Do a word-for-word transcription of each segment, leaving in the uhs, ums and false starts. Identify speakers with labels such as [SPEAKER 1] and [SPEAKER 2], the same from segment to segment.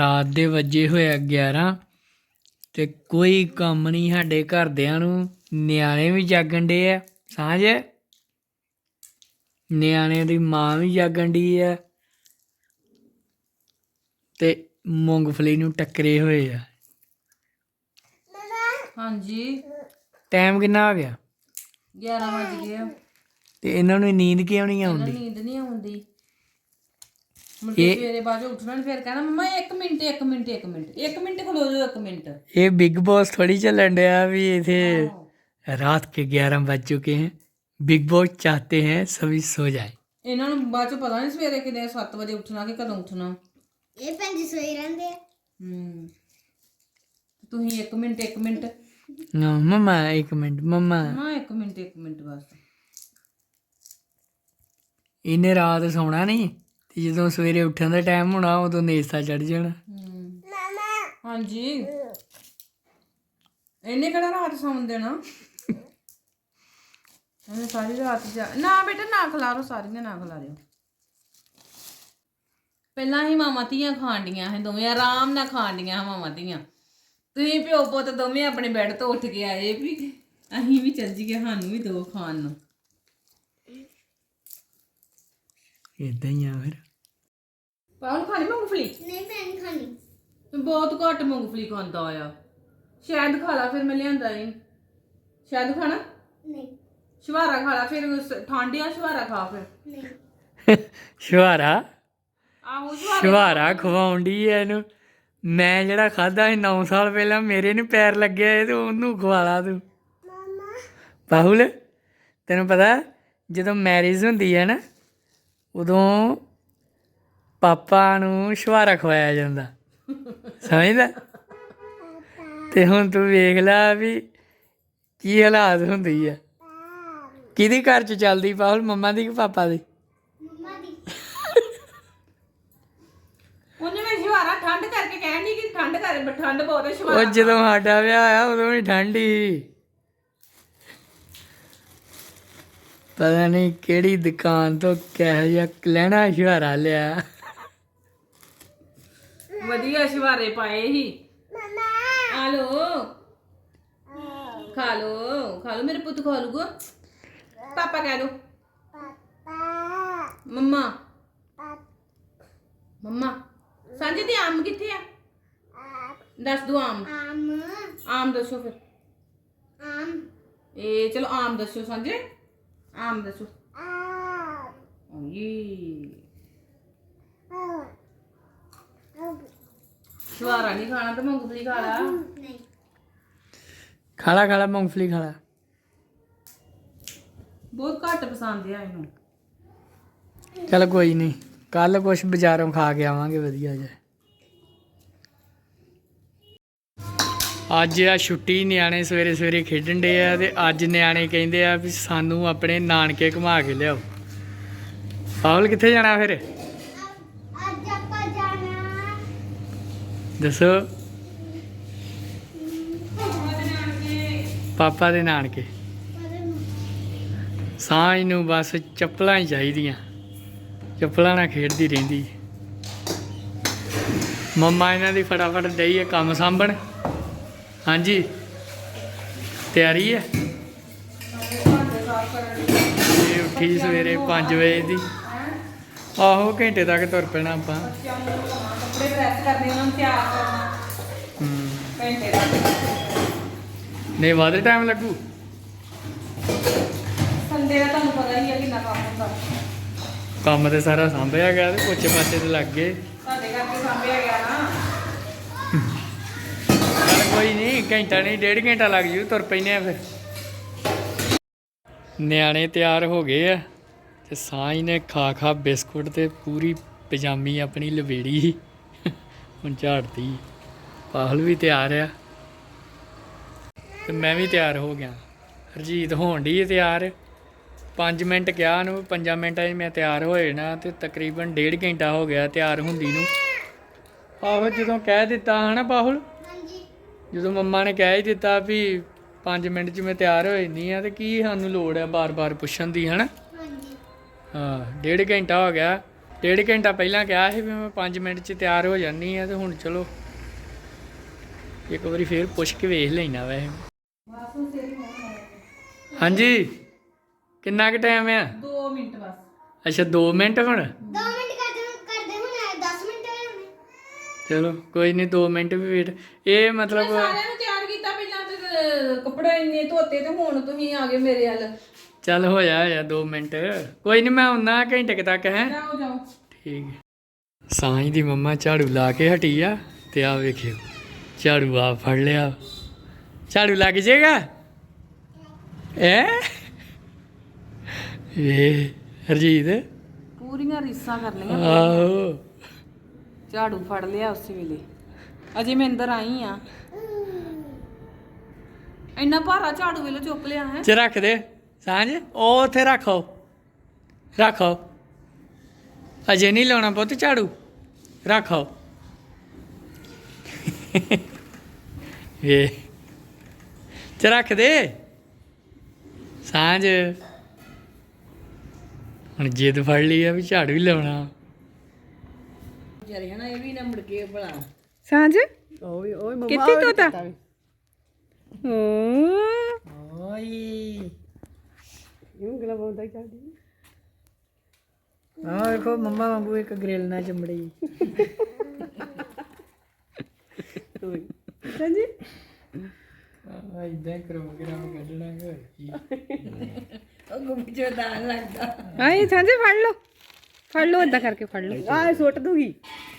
[SPEAKER 1] ਰਾਤ ਦੇ ਵੱਜੇ ਹੋਏ ਆ ਗਿਆਰਾਂ ਤੇ ਕੋਈ ਕੰਮ ਨਹੀਂ ਸਾਡੇ ਘਰਦਿਆਂ ਨੂੰ। ਨਿਆਣੇ ਵੀ ਜਾਗਣ ਡੇ ਆ ਸਾਂਝ, ਨਿਆਣਿਆਂ ਦੀ ਮਾਂ ਵੀ ਜਾਗਣ ਡਈ ਆ ਤੇ ਮੂੰਗਫਲੀ ਨੂੰ ਟੱਕਰੇ ਹੋਏ ਆ।
[SPEAKER 2] ਹਾਂਜੀ
[SPEAKER 1] ਟਾਈਮ ਕਿੰਨਾ ਹੋ ਗਿਆ?
[SPEAKER 2] ਗਿਆਰਾਂ ਵਜ ਗਏ ਆ।
[SPEAKER 1] ਤੇ ਇਹਨਾਂ ਨੂੰ ਨੀਂਦ ਕਿਉਂ ਨਹੀਂ
[SPEAKER 2] ਇਹਨਾਂ
[SPEAKER 1] ਆਉਂਦੀ?
[SPEAKER 2] ਨੀਂਦ ਨਹੀਂ ਆਉਂਦੀ। ਮੁੜ ਕੇ ਸਵੇਰੇ ਬਾਅਦ ਚੋਂ ਉੱਠਣਾ ਨੀ, ਫਿਰ ਕਹਿਣਾ ਮੰਮਾ ਇੱਕ ਮਿੰਟ ਇੱਕ ਮਿੰਟ ਇੱਕ ਮਿੰਟ ਇੱਕ ਮਿੰਟ ਖਲੋ ਜਾਓ ਇੱਕ ਮਿੰਟ।
[SPEAKER 1] ਇਹ ਬਿਗ ਬॉस थोड़ी ਚੱਲਣ ਡਿਆ ਵੀ इथे रात के ग्यारह बज चुके हैं, बिग बॉस चाहते हैं सभी सो जाए।
[SPEAKER 2] ਇਹਨਾਂ ਨੂੰ ਬਾਅਦ ਚੋਂ ਪਤਾ ਨਹੀਂ ਸਵੇਰੇ ਕਿੰਨੇ ਸੱਤ ਵਜੇ ਉੱਠਣਾ ਕਿ ਕਦੋਂ ਉੱਠਣਾ।
[SPEAKER 3] ਇਹ ਭੈਣ ਜੀ ਸੋਈ ਰਹਿੰਦੇ ਆ।
[SPEAKER 2] ਹੂੰ ਤੁਸੀਂ ਇੱਕ ਮਿੰਟ ਇੱਕ ਮਿੰਟ
[SPEAKER 1] नो मम्मा एक मिनट मम्मा।
[SPEAKER 2] ਨਾ ਇੱਕ ਮਿੰਟ ਇੱਕ ਮਿੰਟ ਬਸ।
[SPEAKER 1] ਇਹਨੇ ਰਾਤ ਸੌਣਾ ਨਹੀਂ ਤੇ ਜਦੋਂ ਸਵੇਰੇ ਉੱਠਣ ਦਾ ਟਾਈਮ ਹੋਣਾ ਉਦੋਂ ਨੇਸਾ ਚੜ ਜਾਣਾ।
[SPEAKER 2] ਹੂੰ ਹਾਂਜੀ ਇਹਨੇ ਕਿਹੜਾ ਰਾਤ ਸੌਣ ਦੇਣਾ। ਇਹਨੇ ਸਾਰੀ ਰਾਤ ਜਾ ਨਾ ਬੇਟਾ ਨਾ ਖਿਲਾਰੋ, ਸਾਰੀਆਂ ਨਾ ਖਿਲਾਰਿਓ। ਪਹਿਲਾਂ ਹੀ ਮਾਵਾਂ ਧੀਆਂ ਖਾਣ ਡੀਆਂ ਸੀ ਦੋਵੇਂ, ਆਰਾਮ ਨਾਲ ਖਾਣ ਡੀਆਂ ਮਾਵਾਂ ਧੀਆਂ। ਤੁਸੀਂ ਪਿਓ ਪੁੱਤ ਦੋਵੇਂ ਆਪਣੇ ਬੈੱਡ ਤੋਂ ਉੱਠ ਕੇ ਆਏ ਵੀ ਅਸੀਂ ਵੀ ਚੱਲ ਜੀਏ, ਸਾਨੂੰ ਵੀ ਦੋ ਖਾਣ ਨੂੰ।
[SPEAKER 1] ਇਦਾਂ ਹੀ ਆ ਫਿਰ।
[SPEAKER 2] ਪਾਉਣ ਖਾਣੀ ਮੂੰਗਫਲੀ?
[SPEAKER 3] ਨਹੀਂ ਮੈਂ ਨਹੀਂ ਖਾਣੀ।
[SPEAKER 2] ਬਹੁਤ ਘੱਟ ਮੂੰਗਫਲੀ ਖਾਂਦਾ ਆ। ਸ਼ਾਇਦ ਖਾ ਲਾ, ਫਿਰ ਮੈਂ ਲਿਆਂਦਾ ਈ। ਸ਼ਾਇਦ ਖਾਣਾ?
[SPEAKER 3] ਨਹੀਂ
[SPEAKER 2] ਸ਼ਵਾਰਾ ਖਾ ਲਾ, ਫਿਰ ਠੰਡ ਆ ਸ਼ਵਾਰਾ ਖਾ ਫਿਰ।
[SPEAKER 3] ਨਹੀਂ
[SPEAKER 1] ਸ਼ਵਾਰਾ
[SPEAKER 2] ਆਹੋ ਸ਼ਵਾਰਾ
[SPEAKER 1] ਸ਼ਵਾਰਾ ਖਵਾਉਣ ਡਈ ਐ ਇਹਨੂੰ। ਮੈਂ ਜਿਹੜਾ ਖਾਦਾ ਸੀ ਨੌ ਸਾਲ ਪਹਿਲਾਂ, ਮੇਰੇ ਨੂੰ ਪੈਰ ਲੱਗਿਆ ਤੇ ਉਹਨੂੰ ਖਵਾਲਾ ਤੂੰ।
[SPEAKER 3] ਮਾਮਾ
[SPEAKER 1] ਬਾਹੁਲ ਤੈਨੂੰ ਪਤਾ ਜਦੋਂ ਮੈਰਿਜ ਹੁੰਦੀ ਹੈ ਨਾ ਉਦੋਂ ਪਾਪਾ ਨੂੰ ਸ਼ਵਾਰਾ ਖਵਾਇਆ ਜਾਂਦਾ, ਸਮਝਦਾ? ਤੇ ਹੁਣ ਤੂੰ ਵੇਖ ਲੈ ਵੀ ਕੀ ਹਾਲਾਤ ਹੁੰਦੀ ਆ। ਕਿਹਦੇ ਘਰ 'ਚ ਚੱਲਦੀ ਬਾਹੁਲ, ਮੰਮਾ ਦੀ ਕਿ ਪਾਪਾ ਦੀ?
[SPEAKER 3] ਮੰਮਾ ਦੀ।
[SPEAKER 2] ਉਹਨੇ ਮੈਂ ਸ਼ਵਾਰਾ ਠੰਡ ਕਰਕੇ ਕਹਿਣ ਦੀ ਕਿ ਠੰਡ ਕਰ ਠੰਡ ਬਹੁਤ ਹੈ ਸ਼ਵਾਰਾ।
[SPEAKER 1] ਉਹ ਜਦੋਂ ਸਾਡਾ ਵਿਆਹ ਆਇਆ ਉਦੋਂ ਵੀ ਠੰਡ ਹੀ। ਪਤਾ ਨਹੀਂ ਕਿਹੜੀ ਦੁਕਾਨ ਤੋਂ ਕਿਹੋ ਜਿਹਾ ਲੈਣਾ ਸ਼ਵਾਰਾ ਲਿਆ।
[SPEAKER 2] ਵਧੀਆ ਸ਼ਵਾਰੇ ਪਾਏ ਹੀ। ਆ ਲੋ ਖਾ ਲੋ ਖਾ ਲੋ, ਮੇਰੇ ਪੁੱਤ ਖਾ ਲੂਗਾ। ਪਾਪਾ ਕਹਿ ਦੋ। ਮੰਮਾ ਮੰਮਾ ਸਾਂਝੇ ਤੇ ਆਮ ਕਿੱਥੇ ਆ? ਦੱਸ ਦੋ ਆਮ।
[SPEAKER 3] ਆਮ
[SPEAKER 2] ਆਮ ਦੱਸੋ ਫਿਰ।
[SPEAKER 3] ਆਮ
[SPEAKER 2] ਇਹ ਚਲੋ ਆਮ ਦੱਸੋ ਸਾਂਝੇ, ਆਮ ਦੱਸੋ।
[SPEAKER 3] ਆਮ
[SPEAKER 2] ਓਏ ਸ਼ਵਾਰਾ ਨਹੀਂ ਖਾਣਾ ਤਾਂ ਮੂੰਗਫਲੀ ਖਾ ਲਾ।
[SPEAKER 3] ਨਹੀਂ
[SPEAKER 1] ਖਾਲਾ ਖਾਲਾ ਮੂੰਗਫਲੀ ਖਾਲਾ।
[SPEAKER 2] ਬਹੁਤ ਘੱਟ ਪਸੰਦ ਆ ਇਹਨੂੰ।
[SPEAKER 1] ਚੱਲ ਕੋਈ ਨਹੀਂ, ਕੱਲ ਕੁਛ ਬਾਜ਼ਾਰੋਂ ਖਾ ਕੇ ਆਵਾਂਗੇ ਵਧੀਆ ਜਿਹਾ। ਅੱਜ ਆ ਛੁੱਟੀ, ਨਿਆਣੇ ਸਵੇਰੇ ਸਵੇਰੇ ਖੇਡਣ ਡੇ ਆ ਤੇ ਅੱਜ ਨਿਆਣੇ ਕਹਿੰਦੇ ਆ ਵੀ ਸਾਨੂੰ ਆਪਣੇ ਨਾਨਕੇ ਘੁਮਾ ਕੇ ਲਿਆਓ। ਪਾਹੁਲ ਕਿੱਥੇ ਜਾਣਾ ਫਿਰ
[SPEAKER 3] ਅੱਜ ਆਪਾਂ ਜਾਣਾ
[SPEAKER 1] ਦੱਸੋ? ਪਾਪਾ ਦੇ ਨਾਨਕੇ। ਸਾਂਝ ਨੂੰ ਬਸ ਚੱਪਲਾਂ ਹੀ ਚਾਹੀਦੀਆਂ, ਚੱਪਲਾਂ ਨਾਲ ਖੇਡਦੀ ਰਹਿੰਦੀ। ਮੰਮਾ ਇਹਨਾਂ ਦੀ ਫਟਾਫਟ ਡਈ ਹੈ ਕੰਮ ਸਾਂਭਣ। ਹਾਂਜੀ ਤਿਆਰੀ ਹੈ। ਇਹ ਉੱਠੀ ਸਵੇਰੇ ਪੰਜ ਵਜੇ ਦੀ। ਆਹੋ ਘੰਟੇ ਤੱਕ ਤੁਰ ਪੈਣਾ ਆਪਾਂ।
[SPEAKER 2] ਕੱਪੜੇ ਪ੍ਰੈਸ ਕਰਨੇ, ਉਹਨਾਂ ਨੂੰ ਤਿਆਰ ਕਰਨਾ
[SPEAKER 1] ਹੂੰ
[SPEAKER 2] ਘੰਟੇ ਤੱਕ।
[SPEAKER 1] ਨਹੀਂ ਵੱਧ ਟਾਈਮ ਲੱਗੂ।
[SPEAKER 2] ਸੰਡੇ ਦਾ ਤੁਹਾਨੂੰ ਪਤਾ ਹੀ ਹੈ ਕਿੰਨਾ ਕੰਮ ਹੁੰਦਾ।
[SPEAKER 1] ਕੰਮ ਤੇ ਸਾਰਾ ਸਾਂਭਿਆ ਗਿਆ ਤੇ ਪੋਚੇ ਪਾਸੇ ਤੇ ਲੱਗ ਗਏ।
[SPEAKER 2] ਸਾਡੇ ਕਰਕੇ ਸਾਂਭਿਆ ਗਿਆ ਨਾ।
[SPEAKER 1] ਚੱਲ ਕੋਈ ਨਹੀਂ, ਘੰਟਾ ਨਹੀਂ ਡੇਢ ਘੰਟਾ ਲੱਗ ਜੂ, ਤੁਰ ਪੈਨੇ ਆ ਫਿਰ। ਨਿਆਣੇ ਤਿਆਰ ਹੋ ਗਏ ਆ ਤੇ ਸਾਂਝ ਨੇ ਖਾ ਖਾ ਬਿਸਕੁਟ ਤੇ ਪੂਰੀ ਪਜਾਮੀ ਆਪਣੀ ਲਵੇੜੀ ਹੁਣ ਝਾੜਦੀ। ਪਾਹੁਲ ਵੀ ਤਿਆਰ ਆ ਤੇ ਮੈਂ ਵੀ ਤਿਆਰ ਹੋ ਗਿਆ। ਹਰਜੀਤ ਹੋਣ ਡਈ ਹੈ ਤਿਆਰ। ਪੰਜ ਮਿੰਟ ਕਿਹਾ ਉਹਨੂੰ, ਪੰਜਾਂ ਮਿੰਟਾਂ 'ਚ ਮੈਂ ਤਿਆਰ ਹੋ ਜਾਣਾ ਤੇ ਤਕਰੀਬਨ ਡੇਢ ਘੰਟਾ ਹੋ ਗਿਆ ਤਿਆਰ ਹੁੰਦੀ ਨੂੰ। ਆਹੋ ਜਦੋਂ ਕਹਿ ਦਿੱਤਾ ਹਨਾ ਪਾਹੁਲ,
[SPEAKER 3] ਹਾਂਜੀ
[SPEAKER 1] ਜਦੋਂ ਮੰਮਾ ਨੇ ਕਹਿ ਹੀ ਦਿੱਤਾ ਵੀ ਪੰਜ ਮਿੰਟ 'ਚ ਮੈਂ ਤਿਆਰ ਹੋ ਜਾਂਦੀ ਹਾਂ ਤੇ ਕੀ ਸਾਨੂੰ ਲੋੜ ਹੈ ਬਾਰ-ਬਾਰ ਪੁੱਛਣ ਦੀ, ਹਨਾ?
[SPEAKER 3] ਹਾਂਜੀ
[SPEAKER 1] ਹਾਂ ਡੇਢ ਘੰਟਾ ਹੋ ਗਿਆ ਡੇਢ ਘੰਟਾ ਪਹਿਲਾਂ ਕਿਹਾ ਸੀ ਵੀ ਮੈਂ ਪੰਜ ਮਿੰਟ 'ਚ ਤਿਆਰ ਹੋ ਜਾਨੀ ਆ ਤੇ ਹੁਣ ਚਲੋ ਇੱਕ ਵਾਰੀ ਫੇਰ ਪੁੱਛ ਕੇ ਵੇਖ ਲੈਣਾ ਵੈਸੇ। ਹਾਂਜੀ ਕਿੰਨਾ ਕੁ ਟਾਈਮ ਆ?
[SPEAKER 2] ਦੋ ਮਿੰਟ ਬਸ।
[SPEAKER 1] ਅੱਛਾ ਦੋ ਮਿੰਟ ਹੁਣ।
[SPEAKER 3] ਦੋ ਮਿੰਟ ਕਰਦੇ ਕਰਦੇ ਹੁਣ ਦਸ ਮਿੰਟ ਹੋਏ ਹੋਣੇ।
[SPEAKER 1] ਚਲੋ ਕੋਈ ਨਹੀਂ ਦੋ ਮਿੰਟ ਵੀ ਵੇਟ। ਇਹ ਮਤਲਬ
[SPEAKER 2] ਸਾਰਿਆਂ ਨੂੰ ਤਿਆਰ ਕੀਤਾ ਪਹਿਲਾਂ ਤੇ ਕੱਪੜੇ ਇੰਨੇ ਧੋਤੇ ਤੇ ਹੁਣ ਤੁਸੀਂ ਆ ਗਏ ਮੇਰੇ ਵੱਲ।
[SPEAKER 1] ਚੱਲ ਹੋਇਆ ਹੋਇਆ ਦੋ ਮਿੰਟ। ਕੋਈ ਨਹੀਂ ਮੈਂ ਆਉਣਾ ਘੰਟੇ ਕੁ ਤੱਕ ਹੈ।
[SPEAKER 2] ਜਾਓ ਜਾਓ।
[SPEAKER 1] ਠੀਕ ਹੈ। ਸਾਈਂ ਦੀ ਮੰਮਾ ਝਾੜੂ ਲਾ ਕੇ ਹਟੀ ਆ ਤੇ ਆ ਵੇਖਿਓ ਝਾੜੂ ਆ ਫੜ ਲਿਆ। ਝਾੜੂ ਲੱਗ ਜਾਏਗਾ ਐ ਇਹ ਹਰਜੀਤ
[SPEAKER 2] ਪੂਰੀਆਂ ਰੀਸਾਂ ਕਰ ਲਈਆਂ।
[SPEAKER 1] ਆਹੋ
[SPEAKER 2] ਝਾੜੂ ਫੜ ਲਿਆ ਉਸੇ ਵੇਲੇ। ਅਜੇ ਮੈਂ ਅੰਦਰ ਆਈ ਆ। ਇੰਨਾ ਭਾਰਾ ਝਾੜੂ ਵੇਲੇ ਚੁੱਕ ਲਿਆ ਹੈ।
[SPEAKER 1] ਚ ਰੱਖ ਦੇ ਸਾਂਝ ਉਹ ਉੱਥੇ ਰੱਖੋ ਰੱਖੋ ਅਜੇ ਨਹੀਂ ਲਾਉਣਾ ਪੁੱਤ ਝਾੜੂ ਰੱਖੋ। ਇਹ ਚ ਰੱਖ ਦੇ ਸਾਂਝ ਹੁਣ ਜਿੱਦ ਫੜ ਲਈ ਆ ਵੀ ਝਾੜੂ ਹੀ ਲਾਉਣਾ।
[SPEAKER 2] ਵਿਚਾਰੇ ਹਨਾ ਇਹ ਵੀ ਨਾ ਮੁੜ ਕੇ ਭਲਾ।
[SPEAKER 4] ਸਾਂਝ
[SPEAKER 1] ਓਏ ਓਏ
[SPEAKER 4] ਕਿੱਥੇ ਤੋਤਾ ਓ
[SPEAKER 1] ਓਏ ਉਂਗਲਾ ਬੋਲਦਾ ਚੱਲਦੀ ਆ ਵੇਖੋ ਮੰਮਾ ਵਾਂਗੂ ਇੱਕ ਗ੍ਰਿਲ ਨਾਲ ਚੰਬੜੀ।
[SPEAKER 4] ਸਾਂਝੀ
[SPEAKER 1] ਆ ਇਦਾਂ ਕਰੋ ਗ੍ਰਾਮ ਕੱਢਣਾ ਹੋਰ ਕੀ।
[SPEAKER 4] ਆਏ ਸਾਂਝੇ ਫੜ ਲਓ ਫੜ ਲਓ ਏਦਾਂ ਕਰਕੇ ਫੜ ਲਓ ਆ ਸੁੱਟ ਦੂਗੀ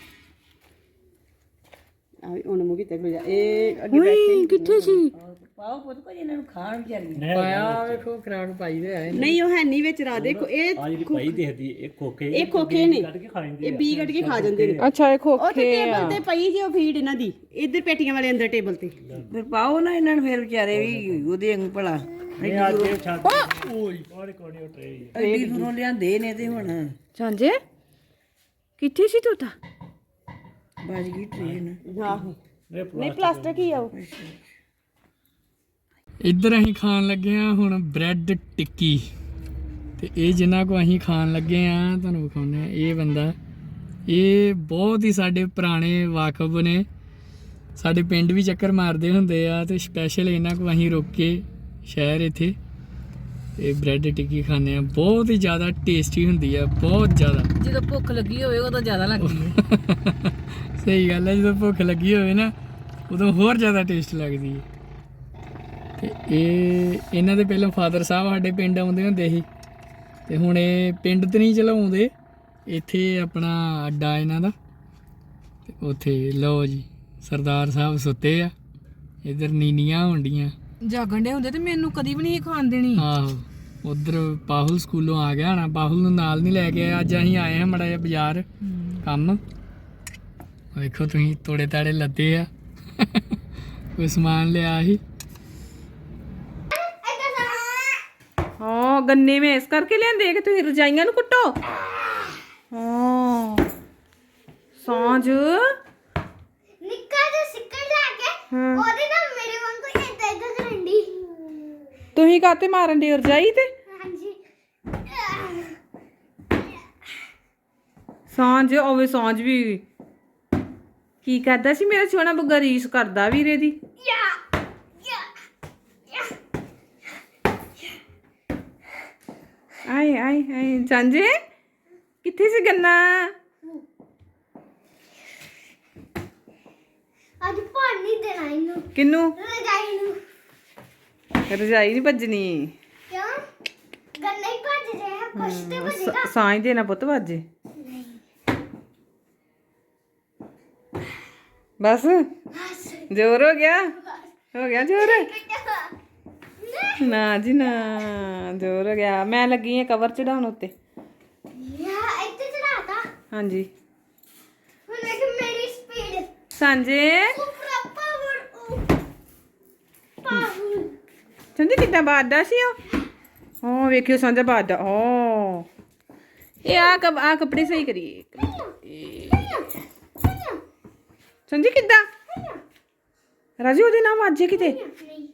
[SPEAKER 4] ਆ ਹੁਣ ਮੁਗੀ ਤੇ ਜਾ ਇਹ ਅੱਗੇ ਬੈਠੇ ਕਿੱਥੇ ਸੀ
[SPEAKER 2] ਪਾਓ ਪੁੱਤ ਕੋਈ ਇਹਨਾਂ ਨੂੰ ਖਾਣ ਵਿਚਾਰੀ।
[SPEAKER 1] ਪਾਇਆ ਵੇਖੋ ਖਰਾਕ ਪਾਈ ਦੇ ਆਏ
[SPEAKER 4] ਨਹੀਂ ਉਹ ਹੈ ਨਹੀਂ ਵਿੱਚ ਰਾ ਦੇਖੋ ਇਹ
[SPEAKER 5] ਆ ਜਿਹੜੀ ਪਈ ਦੇਖਦੀ ਇਹ ਖੋਕੇ
[SPEAKER 4] ਇਹ ਖੋਖੇ ਨੇ
[SPEAKER 5] ਕੱਢ ਕੇ ਖਾ ਜਾਂਦੇ
[SPEAKER 4] ਇਹ ਬੀ ਕੱਢ ਕੇ ਖਾ ਜਾਂਦੇ ਨੇ
[SPEAKER 2] ਅੱਛਾ ਇਹ
[SPEAKER 4] ਉਹ ਤੇ ਟੇਬਲ ਤੇ ਪਈ ਜੇ ਉਹ ਫੀਡ ਇਹਨਾਂ ਦੀ ਇੱਧਰ ਪੇਟੀਆਂ ਵਾਲੇ ਅੰਦਰ ਟੇਬਲ ਤੇ
[SPEAKER 2] ਫਿਰ ਪਾਓ ਨਾ ਇਹਨਾਂ ਨੂੰ ਫਿਰ ਵਿਚਾਰੇ ਵੀ ਉਹਦੇ ਵਾਂਗ ਭਲਾ
[SPEAKER 5] ਇਹ ਆ ਕੇ ਛੱਡ ਓਏ ਔਰ ਕੋਣੀ ਉਟਰੇ
[SPEAKER 2] ਐਡੀ ਦੂਰੋਂ ਲਿਆਂਦੇ ਨੇ ਤੇ ਹੁਣ
[SPEAKER 4] ਸਾਂਝੇ ਕਿੱਥੇ ਸੀ ਤੋਤਾ
[SPEAKER 2] ਵੱਜ ਗਈ ਟ੍ਰੇਨ।
[SPEAKER 4] ਆਹੋ ਨਹੀਂ ਪਲਾਸਟਿਕ ਹੀ ਆ ਉਹ
[SPEAKER 1] ਇੱਧਰ ਅਸੀਂ ਖਾਣ ਲੱਗੇ ਆ ਹੁਣ ਬ੍ਰੈਡ ਟਿੱਕੀ ਤੇ ਇਹ ਜਿੰਨਾ ਕੋ ਅਸੀਂ ਖਾਣ ਲੱਗੇ ਆ ਤੁਹਾਨੂੰ ਵਿਖਾਉਂਦੇ ਆ। ਇਹ ਬੰਦਾ ਇਹ ਬਹੁਤ ਹੀ ਸਾਡੇ ਪੁਰਾਣੇ ਵਾਕਫ ਨੇ ਸਾਡੇ ਪਿੰਡ ਵੀ ਚੱਕਰ ਮਾਰਦੇ ਹੁੰਦੇ ਆ ਤੇ ਸਪੈਸ਼ਲ ਇਹਨਾਂ ਕੋ ਅਸੀਂ ਰੁਕ ਕੇ ਸ਼ਹਿਰ ਇੱਥੇ ਇਹ ਬ੍ਰੈਡ ਟਿੱਕੀ ਖਾਂਦੇ ਆ। ਬਹੁਤ ਹੀ ਜ਼ਿਆਦਾ ਟੇਸਟੀ ਹੁੰਦੀ ਆ ਬਹੁਤ ਜ਼ਿਆਦਾ।
[SPEAKER 2] ਜਦੋਂ ਭੁੱਖ ਲੱਗੀ ਹੋਵੇ ਉਦੋਂ ਜ਼ਿਆਦਾ ਲੱਗਦੀ ਹੈ।
[SPEAKER 1] ਸਹੀ ਗੱਲ ਹੈ ਜਦੋਂ ਭੁੱਖ ਲੱਗੀ ਹੋਵੇ ਨਾ ਉਦੋਂ ਹੋਰ ਜ਼ਿਆਦਾ ਟੇਸਟ ਲੱਗਦੀ ਹੈ। ਤੇ ਇਹ ਇਹਨਾਂ ਦੇ ਪਹਿਲਾਂ ਫਾਦਰ ਸਾਹਿਬ ਸਾਡੇ ਪਿੰਡ ਆਉਂਦੇ ਹੁੰਦੇ ਸੀ ਤੇ ਹੁਣ ਇਹ ਪਿੰਡ ਤੇ ਨਹੀਂ ਚਲਾਉਂਦੇ ਇੱਥੇ ਆਪਣਾ ਅੱਡਾ ਇਹਨਾਂ ਦਾ ਤੇ ਉੱਥੇ ਲਓ ਜੀ ਸਰਦਾਰ ਸਾਹਿਬ ਸੁੱਤੇ ਆ ਇੱਧਰ ਨੀਨੀਆਂ ਹੁੰਦੀਆਂ
[SPEAKER 2] ਜਾਗਣ ਦੇ ਹੁੰਦੇ ਤੇ ਮੈਨੂੰ ਕਦੀ ਵੀ ਨਹੀਂ ਖਾਣ ਦੇਣੀ।
[SPEAKER 1] ਆਹੋ ਉਧਰ ਪਾਹੁਲ ਸਕੂਲੋਂ ਆ ਗਿਆ ਨਾ ਪਾਹੁਲ ਨੂੰ ਨਾਲ ਨਹੀਂ ਲੈ ਕੇ ਆਇਆ। ਅੱਜ ਅਸੀਂ ਆਏ ਹਾਂ ਮੜਾ ਜਿਹਾ ਬਾਜ਼ਾਰ ਕੰਮ ਵੇਖੋ ਤੁਸੀਂ ਤੋੜੇ ਤਾੜੇ ਲੱਦੇ ਆ ਕੋਈ ਸਮਾਨ ਲਿਆ ਸੀ।
[SPEAKER 4] ਹਾਂ ਗੰਨੇ ਮੈਂ ਇਸ ਕਰਕੇ ਲਿਆਂਦੇ ਕਿ ਤੁਸੀਂ ਰਜਾਈਆਂ ਨੂੰ ਕੁੱਟੋ। ਹਾਂ ਸਾਂਝ
[SPEAKER 3] ਨਿੱਕਾ ਜਿਹਾ ਸਿੱਕੜ ਲਾ ਕੇ ਉਹਦੇ ਨਾਲ ਮੇਰੇ ਵਾਂਗੂ ਏਦਾਂ ਏਦਾਂ ਕਰਨ ਦੀ।
[SPEAKER 4] ਤੁਸੀਂ ਕਾਤੇ ਮਾਰਨ ਦੀ ਰਜਾਈ ਤੇ
[SPEAKER 3] ਹਾਂਜੀ
[SPEAKER 4] ਸਾਂਝ ਹੋਵੇ ਸਾਂਝ ਵੀ ਕੀ ਕਰਦਾ ਸੀ ਮੇਰਾ ਸੋਹਣਾ ਬੁੱਗਾ ਰੀਸ ਕਰਦਾ ਵੀਰੇ ਦੀ।
[SPEAKER 3] ਯਾ ਯਾ ਯਾ
[SPEAKER 4] ਆਏ ਆਏ ਆਏ ਸਾਂਝੇ ਕਿੱਥੇ ਸੀ ਗੰਨਾ
[SPEAKER 3] ਅੱਜ ਪਾਣੀ ਨਹੀਂ ਦੇਣਾ ਇਹਨੂੰ
[SPEAKER 4] ਕਿਨੂੰ
[SPEAKER 3] ਰਜਾਈ ਨੂੰ।
[SPEAKER 4] ਰਜਾਈ ਨਹੀਂ ਭੱਜਣੀ
[SPEAKER 3] ਕਿਉਂ ਗੰਨਾ ਹੀ ਭੱਜ ਜਾਏ ਕੁਛ ਤੇ ਭੱਜੇਗਾ।
[SPEAKER 4] ਸਾਂਝ ਦੇ ਨਾ ਪੁੱਤ ਵੱਜੇ ਬਸ ਜ਼ੋਰ ਹੋ ਗਿਆ ਹੋ ਗਿਆ ਜ਼ੋਰ ਨਾ ਜੀ ਨਾ ਜ਼ੋਰ ਹੋ ਗਿਆ। ਮੈਂ ਲੱਗੀ ਆ ਕਵਰ ਚੜਾਉਣ ਉੱਤੇ।
[SPEAKER 3] ਯਾ ਇੱਥੇ ਚੜਾਤਾ
[SPEAKER 4] ਹਾਂਜੀ
[SPEAKER 3] ਹੁਣ ਦੇਖ ਮੇਰੀ ਸਪੀਡ
[SPEAKER 4] ਸਾਂਝੇ
[SPEAKER 3] ਉਪਰ ਪਾਵਰ ਪਾਵਰ
[SPEAKER 4] ਸਾਂਝੇ ਕਿੱਦਾਂ ਬਾਦਾ ਸੀ ਉਹ ਹਾਂ ਵੇਖਿਓ ਸਾਂਝਾ ਬਾਦਾ ਓ ਇਹ ਆ ਕਬ ਆ ਕੱਪੜੇ ਸਹੀ ਕਰੀਏ ਸੰਜੀ ਕਿੱਦਾਂ ਰਾਜੂ ਉਹਦੇ ਨਾਮ ਵਾਜੇ ਕਿਤੇ
[SPEAKER 3] ਨਹੀਂ